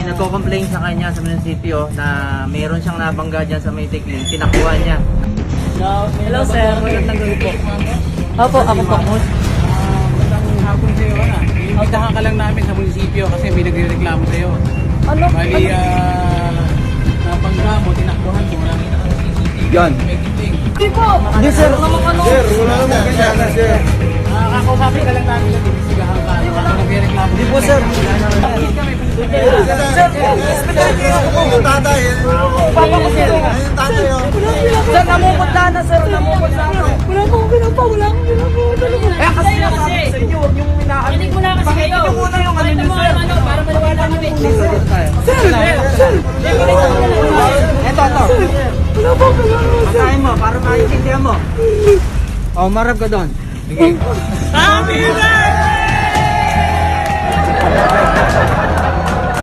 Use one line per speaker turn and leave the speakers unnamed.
nagko-complain sa kanya sa munisipyo na mayroon siyang nabangga dyan sa may tikling, tinakuha niya.
Hello sir, magandang gabi po. Opo, ako po.
Magandang hapon sa'yo, ano? Iimbitahan ka lang namin sa munisipyo kasi may nagre-reklamo sa'yo.
Ano?
Bali, nabangga mo, tinakbuhan mo, nakita ka sa CCTV.
Yan.
May kiting.
Hindi po. Hindi sir, naman ano?
Sir, wala naman ganyan na, sir.
Kakausapin ka lang namin, nag-imbestigahan ka. Nagre-reklamo.
Hindi po, sir. Sir, yung tatay.
Papa ko sir.
Yung tatay, oh.
Sir, namupunta na sir, namupunta na. Wala akong ginapa, wala akong ginapa. Eh kasi nasabi ko sa inyo, huwag yung minaan.
Hindi mo na kasi kayo.
Pakita muna yung ano niyo sir.
Para maliwala kami.
Sir.
Ito.
Wala po, wala po.
Pakain mo, para maintindihan mo. O, marap ka doon.
Happy birthday!